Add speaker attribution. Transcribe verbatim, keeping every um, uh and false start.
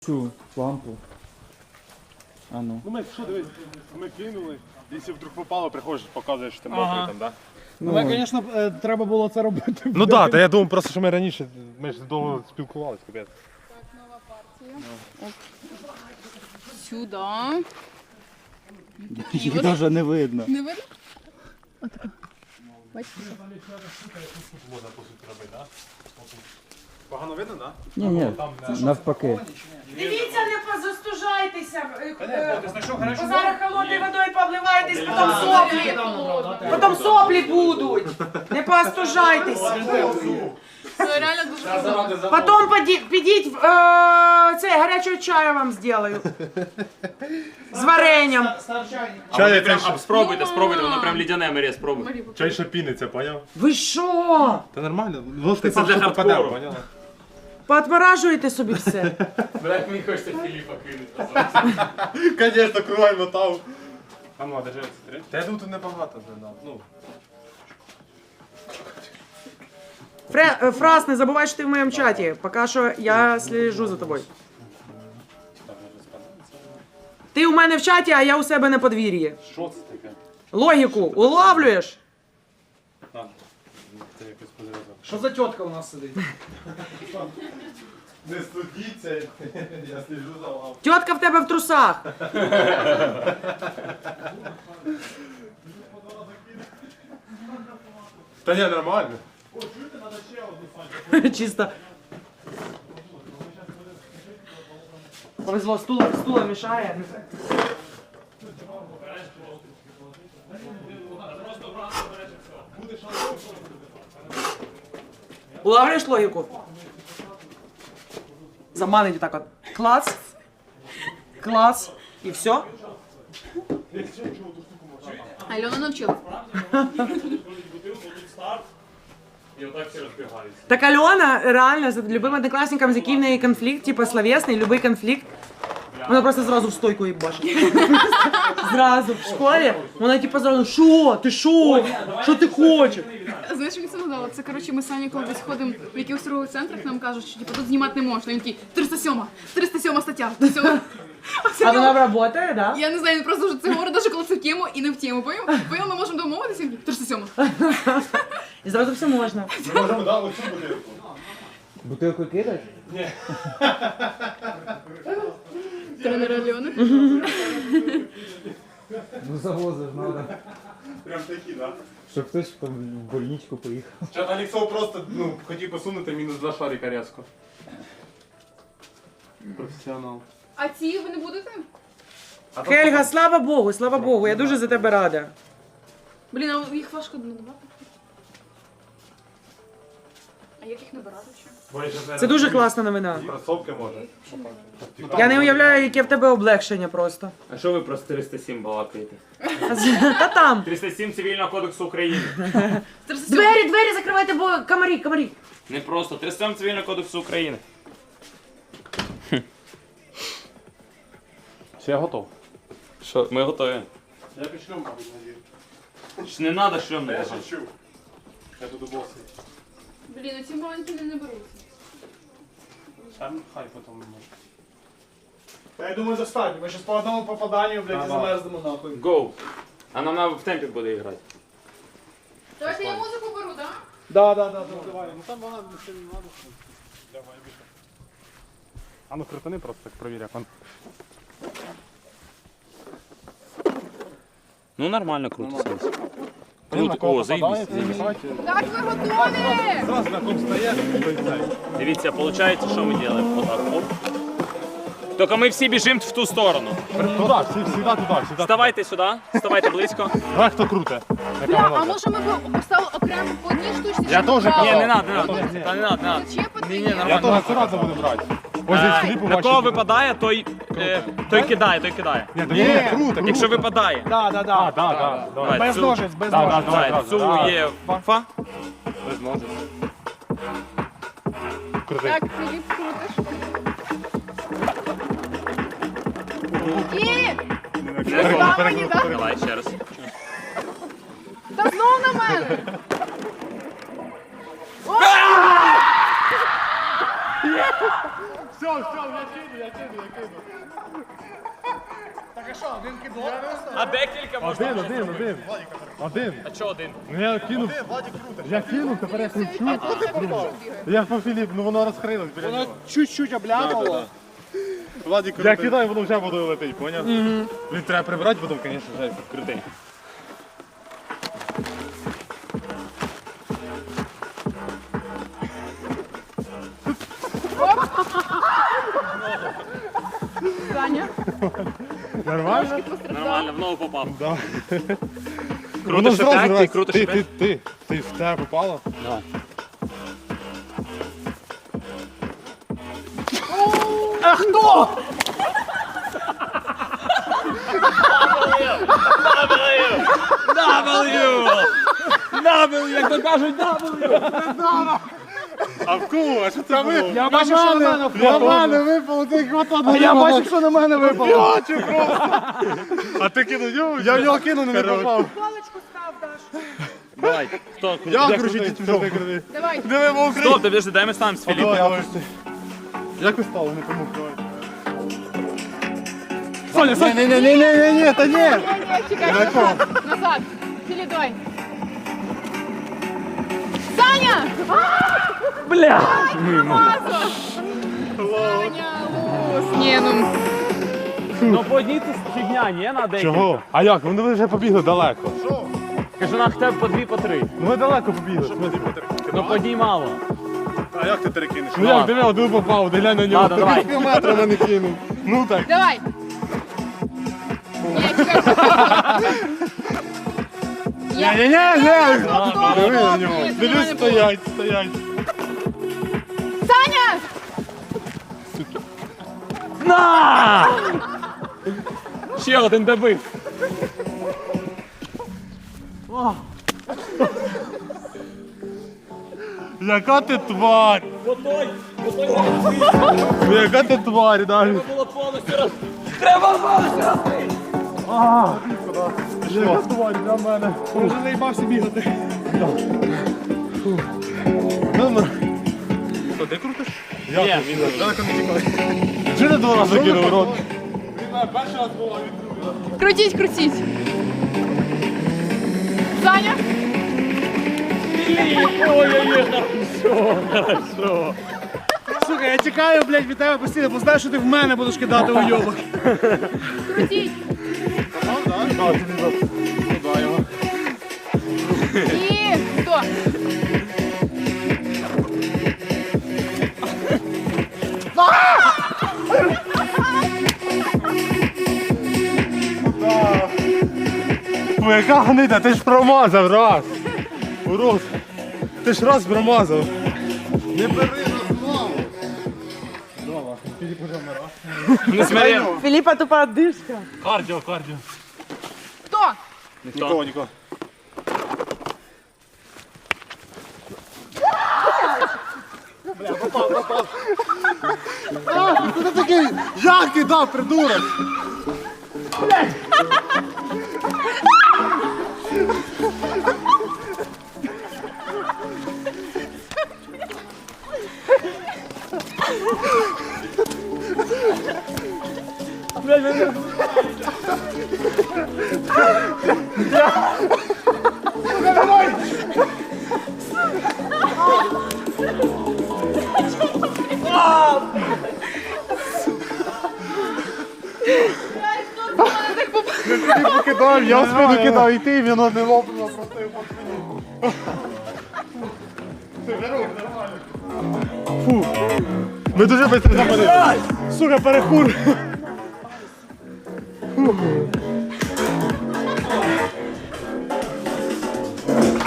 Speaker 1: Цю лампу. А ну.
Speaker 2: Ну ми що дивись, ми кинули, якщо вдруг попало, приходиш, показуєш, що ти
Speaker 3: Ага.
Speaker 2: мокрий там, да?
Speaker 3: Ну, але, звісно, е, треба було це робити.
Speaker 2: Ну так, та я думав просто, що ми раніше, ми ж довго спілкувалися, капець.
Speaker 4: Так, нова партія. Оп. Сюди.
Speaker 1: Їх навіть не видно.
Speaker 4: Не видно? Отако. Бачите?
Speaker 2: Погано видно, так?
Speaker 1: Ні, ні, навпаки.
Speaker 5: Дивіться, не позастужайтеся. Бо зараз холодною водою повливаєтесь, потім соплі. Потім соплі будуть. Не поостужайтеся.
Speaker 4: Це реально дуже круто.
Speaker 5: Потім поді- підіть, е, це, гарячого чаю вам зроблю. З варенням.
Speaker 2: Чай,
Speaker 6: Прям,
Speaker 2: це
Speaker 6: а, спробуйте, спробуйте, воно прям лідяне, Марія, спробуй.
Speaker 2: чай ще піниться, поняв?
Speaker 5: Ви що?
Speaker 2: Та нормально, ложкою
Speaker 6: Це для
Speaker 2: просто попаде,
Speaker 6: хардкору.
Speaker 2: поняла?
Speaker 5: Поотморажуєте собі все.
Speaker 6: Блять, мені хочеться Філіпа кинути.
Speaker 2: Конечно, кругом мотав. А ну, а держи це три. Та я думаю, тут небагато задав. Ну.
Speaker 5: Фре, е, Фраз, не забувай, що ти в моєму чаті. Поки що я слежу за тобою. Ти у мене в чаті, а я у себе на подвір'ї.
Speaker 2: Що це таке?
Speaker 5: Логіку улавлюєш?
Speaker 2: На, це якось позрізав.
Speaker 3: Що за тітка у нас сидить?
Speaker 2: Не студіться, я сліжу за вами.
Speaker 5: Тітка в тебе в трусах.
Speaker 2: Та ні, нормально.
Speaker 5: Чисто. Повезло, стула, стула мішає. Улавлюєш логіку? Заманить так от. Клац. Клац. І все?
Speaker 4: Альона навчила.
Speaker 6: І отак всі розбігаються.
Speaker 5: Так Альона реально з любим однокласником, з яким в неї конфлікт, типу словесний, любий конфлікт, вона просто зразу в стойку їй бачить. Зразу в школі. Вона типу зразу, що? Ти що? Що ти хочеш?
Speaker 4: Знаєш, що мені це нагадало? Це, коротше, ми з Саню коли десь ходимо в якихось торгових центрах, нам кажуть, що типу, тут знімати не можна. Він такий, триста сьома, триста сьома стаття. триста сьома. Оце
Speaker 5: А
Speaker 4: його-
Speaker 5: вона працює, да?
Speaker 4: Я не знаю, він просто вже це говорить, навіть коли це в тему і не в тему. Поїм, поїм, ми можемо домовитися, він такий, триста сьома.
Speaker 5: І зразу все можна.
Speaker 2: Ми можемо дати оцю бутилку.
Speaker 1: Бутилку кидаєш?
Speaker 4: Тренер Альони.
Speaker 1: Ну завозиш, надо.
Speaker 2: Прям такі, да?
Speaker 1: Щоб хтось в больничку поїхав.
Speaker 2: Чат Алексов просто, ну, хотів посунути мінус два шарика різко. Професіонал.
Speaker 4: А ці ви не будете?
Speaker 5: Хельга, слава Богу, слава Богу, я дуже за тебе рада.
Speaker 4: Блін, а їх важко набирати. А як їх набирати чи?
Speaker 5: Це дуже класна новина.
Speaker 2: Кросовки може.
Speaker 5: Я не уявляю, яке в тебе облегшення просто.
Speaker 6: А що ви про триста сім балакаєте?
Speaker 5: Та там.
Speaker 6: триста сім Цивільного кодексу України.
Speaker 4: триста сьома.
Speaker 5: Двері, двері закривайте, бо комарі, комарі.
Speaker 6: Не просто. триста сім Цивільного кодексу України.
Speaker 2: Все, я готов.
Speaker 6: Що, ми готові.
Speaker 2: Я пішлю, мабуть, надію.
Speaker 6: Ж не треба шльом
Speaker 2: Я
Speaker 6: надягати.
Speaker 2: шучу. Я буду босий.
Speaker 4: Блін, а ці маленькі не наберуться.
Speaker 2: Там хай потім може.
Speaker 3: Та я думаю, достатньо. Ми зараз по одному попаданню, блядь, і замерзнемо нахуй.
Speaker 6: Go. А нам треба в темпі буде грати.
Speaker 4: Давайте я музику беру, так?
Speaker 3: Да, да, да, да, давай.
Speaker 2: Ну там вона ще не треба. Давай, більше. А ну крутани просто так провір, як он.
Speaker 6: Ну нормально, круто. Круто.
Speaker 2: На кого
Speaker 6: О, заїбісь.
Speaker 2: попадає,
Speaker 4: Так, ви готові!
Speaker 2: Зразу на ком стає, той цей.
Speaker 6: Дивіться, виходить, що ми робимо? Отак, оп. Тільки ми всі біжимо в ту сторону.
Speaker 2: Туди, всі, всі туди, всі.
Speaker 6: Вставайте сюди, вставайте близько.
Speaker 2: Давай, хто круте.
Speaker 4: Бля, а може ми б поставили окремо по одній штучці?
Speaker 2: Я
Speaker 4: щоб
Speaker 2: теж
Speaker 4: брали?
Speaker 6: Ні, не треба, не треба. Та не треба, не треба.
Speaker 4: Зачепити
Speaker 6: Ні, ні,
Speaker 4: їх?
Speaker 6: нормально.
Speaker 2: Я теж сразу буду брати. Ось здесь
Speaker 6: Е,
Speaker 2: Філіпу
Speaker 6: На
Speaker 2: бачу.
Speaker 6: кого випадає, той, е, той кидає, той кидає.
Speaker 2: Ні, то ні, круто,
Speaker 6: Якщо випадає,
Speaker 3: Да, да, да.
Speaker 2: А, да, да, давай.
Speaker 3: Без
Speaker 6: цю-
Speaker 3: ножиць, без
Speaker 2: Да, да,
Speaker 3: ножиць.
Speaker 2: давай,
Speaker 6: давай,
Speaker 2: зразу.
Speaker 6: цю є фа.
Speaker 2: Без ножиць. Крути.
Speaker 4: Так, Філіп, крутиш. І...
Speaker 6: Не
Speaker 4: Та мені, так?
Speaker 6: Давай ще раз.
Speaker 4: Та знов на мене!
Speaker 2: Все,
Speaker 3: Так а що, один кидок?
Speaker 6: А декілька можна.
Speaker 2: Один, один, один. Один.
Speaker 6: А чого один?
Speaker 2: Ну я кинув. Я кинув, тепер я кручу. Я по Філіп, ну воно розкрилось біля нього.
Speaker 3: Чуть-чуть обляпало.
Speaker 2: Я кидаю, воно вже водою летить, поняв? Він треба прибирати, потім, звісно, вже крутий.
Speaker 4: Саня,
Speaker 2: Нормально?
Speaker 4: трошки постраждав.
Speaker 6: Нормально, в ногу попав.
Speaker 2: Да.
Speaker 6: Крутиш
Speaker 2: зразу
Speaker 6: опять, ти
Speaker 2: раз-
Speaker 6: крутиш
Speaker 2: ти,
Speaker 6: опять.
Speaker 2: ти, ти, ти в тебе попало?
Speaker 6: Давай. W! W, як то кажуть, W!
Speaker 2: А в кого? А що це було?
Speaker 3: Я бачив, що на мене
Speaker 2: Я
Speaker 3: впало.
Speaker 2: мене випало, ти хватав.
Speaker 3: А я бачив, що на мене випало.
Speaker 2: Бачу просто. А ти кинув його? Я в нього кинув, не попав.
Speaker 5: Паличку став, Даш.
Speaker 6: Давай, хто?
Speaker 2: Я
Speaker 6: Як
Speaker 2: кручу,
Speaker 6: крутий?
Speaker 2: ти жовтий крути.
Speaker 4: Давай.
Speaker 2: Диви, мов
Speaker 6: Стоп, подожди, дай ми станемо з Філіпом.
Speaker 2: Як ви стали, не помог, давай.
Speaker 3: Соня, Соня.
Speaker 2: Ні, ні, ні, ні, ні, ні, та ні.
Speaker 4: Ні, ні, чекай, назад. Назад. Філі, давай. Саня!
Speaker 6: Бля!
Speaker 4: Мазо! Саня, лус. Ні, ну.
Speaker 6: Ну по одній це фігня, ні, на декілька.
Speaker 2: Чого? А як? Вони вже побігли далеко.
Speaker 6: Кажу, на хоча б по дві, по три.
Speaker 2: Ну ми далеко побігли.
Speaker 6: Ну по одній мало.
Speaker 2: А як ти перекинеш? Ну
Speaker 6: Ладно.
Speaker 2: як, диви, один попав, де глянь на нього.
Speaker 6: Ладно, давай.
Speaker 2: Пів метра мене кинув. Ну так.
Speaker 4: Давай. Ні, чекай. Я...
Speaker 2: Ні, ні, ні.
Speaker 4: Стоп, стоп,
Speaker 2: Диви на
Speaker 4: стоп.
Speaker 2: нього.
Speaker 4: Ні, це
Speaker 2: Дивись,
Speaker 4: нормально було.
Speaker 2: стоять, стоять.
Speaker 4: Саня!
Speaker 6: На! Ще один добив.
Speaker 2: Яка ти тварь?
Speaker 6: Отой, отой
Speaker 2: Ну, яка ти тварь, далі.
Speaker 6: було повністю роз... Треба повністю розбити!
Speaker 2: Яка тварь для мене.
Speaker 3: Вже заїбався бігати.
Speaker 2: Номер. Що, ти крутиш? Я
Speaker 6: Ні,
Speaker 2: він далеко не тікає. Чи не два рази кинув рот? Перший раз було, він
Speaker 4: Крутіть, крутіть. Саня?
Speaker 6: Ой-ой-ой, хорошо, хорошо.
Speaker 3: Сука, я тікаю, блядь, від тебе постійно, бо знаю, що ти в мене будеш кидати уйобок.
Speaker 4: Крутіть.
Speaker 2: А, тобі за... Туди його.
Speaker 4: І хто?
Speaker 2: Ой, яка гнида, ти ж промазав раз. Урод. Ти ж раз промазав. Не бери нас знову.
Speaker 6: Не смотри.
Speaker 5: Філіпа тупа одишка.
Speaker 2: Кардіо, кардіо.
Speaker 4: Хто?
Speaker 2: Нікого, нікого. Бля, попав, попав. А, ти такий, як кидав, придурок? Ти покидав, я в спину кидав, і ти, воно не лопнуло, просто його по спині. Фу. Ми дуже швидко заходили. Сука, перехур. Фу.